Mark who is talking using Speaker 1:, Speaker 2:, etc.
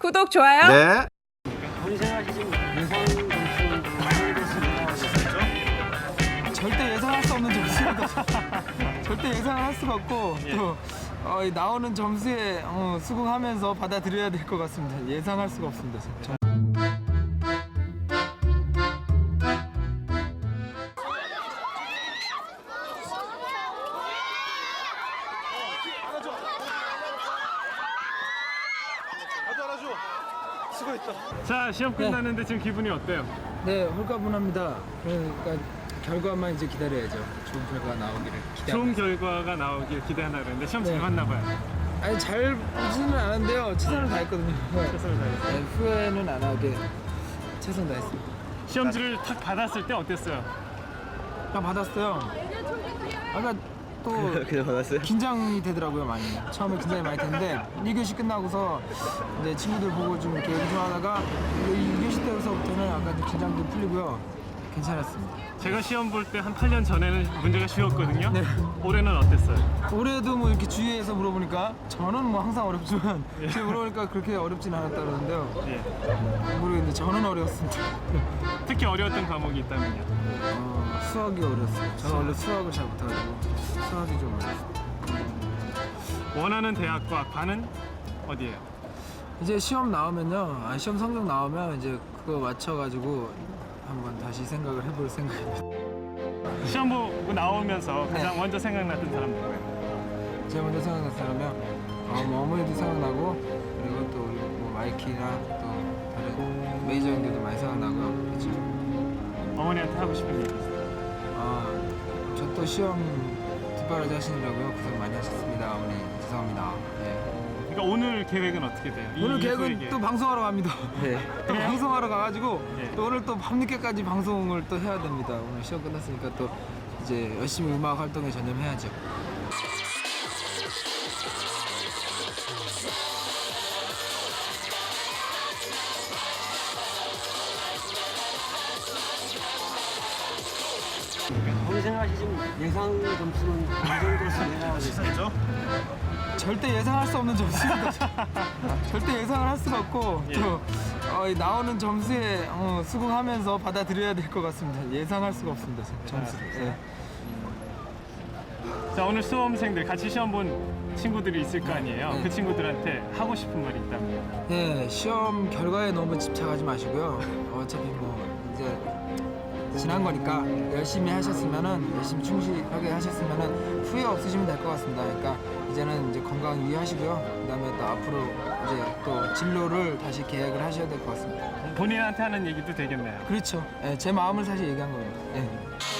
Speaker 1: 구독, 좋아요.
Speaker 2: 네.
Speaker 3: 본 생활이 지금 예상 점수
Speaker 4: 절대 예상할 수 없는 점수입니다. 절대 예상을 할 수가 없고 또 이 나오는 점수에 수긍하면서 받아들여야 될 것 같습니다. 예상할 수가 없습니다.
Speaker 5: 자, 시험 끝났는데 지금 기분이 어때요?
Speaker 4: 네, 홀가분합니다. 그러니까 결과만 이제 기다려야죠. 좋은 결과 나오기를 기대합니다.
Speaker 5: 좋은 결과가 나오길 기대하나 그랬는데 시험 잘
Speaker 4: 네.
Speaker 5: 봤나 봐요.
Speaker 4: 아니 잘 보지는 않았는데요. 최선을 다했거든요.
Speaker 5: 최선을 다했어요.
Speaker 4: 네, 후회는 안 하게 최선 다했습니다.
Speaker 5: 시험지를 탁 받았을 때 어땠어요?
Speaker 4: 다 받았어요. 아까 또
Speaker 2: 그냥 받았어요?
Speaker 4: 긴장이 되더라고요 많이. 처음에 긴장이 많이 됐는데 1교시 끝나고서 이제 친구들 보고 좀 이렇게 운동하다가 2교시 때부터는 약간 좀 긴장도 풀리고요. 괜찮았습니다.
Speaker 5: 제가 시험 볼 때 한 8년 전에는 문제가 쉬웠거든요.
Speaker 4: 네.
Speaker 5: 올해는 어땠어요?
Speaker 4: 올해도 뭐 이렇게 주위에서 물어보니까 저는 뭐 항상 어렵지만 제가 물어보니까 그렇게 어렵진 않았다 그러는데요.
Speaker 5: 예.
Speaker 4: 모르겠는데 저는 어려웠습니다.
Speaker 5: 특히 어려웠던 과목이 있다면요?
Speaker 4: 수학이 어려웠어요. 저는 원래 수학을 잘 못해가지고 수학이 좀 어려웠어요.
Speaker 5: 원하는 대학과 반은 어디예요?
Speaker 4: 이제 시험 나오면요, 시험 성적 나오면 이제 그거 맞춰가지고 한번 다시 생각을 해볼 생각입니다.
Speaker 5: 시험 보고 나오면서 가장
Speaker 4: 네.
Speaker 5: 먼저 생각났던 사람 누구예요?
Speaker 4: 제가 먼저 생각난 사람이요, 뭐 어머니도 생각나고 그리고 또 우리 뭐 마이키나 또 다른 메이저 형들도 많이 생각나고요. 그렇죠.
Speaker 5: 어머니한테 하고 싶은 얘기 있어요?
Speaker 4: 저 또 시험 뒷바라지 하시느라고요. 고생 많이 하셨습니다. 어머니 죄송합니다. 예.
Speaker 5: 그러니까 오늘 계획은 어떻게 돼요?
Speaker 4: 오늘 계획은
Speaker 5: 이후의
Speaker 4: 또 방송하러 갑니다.
Speaker 2: 네.
Speaker 4: 또
Speaker 5: 그래요?
Speaker 4: 방송하러 가가지고
Speaker 5: 네.
Speaker 4: 또 오늘 또 밤늦게까지 방송을 또 해야 됩니다. 오늘 시험 끝났으니까 또 이제 열심히 음악 활동에 전념해야죠.
Speaker 3: 본 생활이 지금 예상 점수는 어느 정도 예상하고 있어요?
Speaker 4: 절대 예상할 수 없는 점수입니다. 절대 예상을 할 수가 없고
Speaker 5: 예.
Speaker 4: 또 이 나오는 점수에 수긍하면서 받아들여야 될 것 같습니다. 예상할 수가 없습니다. 점수. 예.
Speaker 5: 자, 오늘 수험생들 같이 시험 본 친구들이 있을 거 아니에요?
Speaker 4: 네.
Speaker 5: 그 친구들한테 하고 싶은 말이 있다면?
Speaker 4: 예, 시험 결과에 너무 집착하지 마시고요. 어차피 뭐 이제 지난 거니까 열심히 하셨으면은 열심히 충실하게 하셨으면은 후회 없으시면 될 것 같습니다. 그러니까 이제는 이제 건강 유의하시고요. 그다음에 또 앞으로 이제 또 진로를 다시 계획을 하셔야 될 것 같습니다.
Speaker 5: 본인한테 하는 얘기도 되겠네요.
Speaker 4: 그렇죠. 예, 제 마음을 사실 얘기한 겁니다. 예.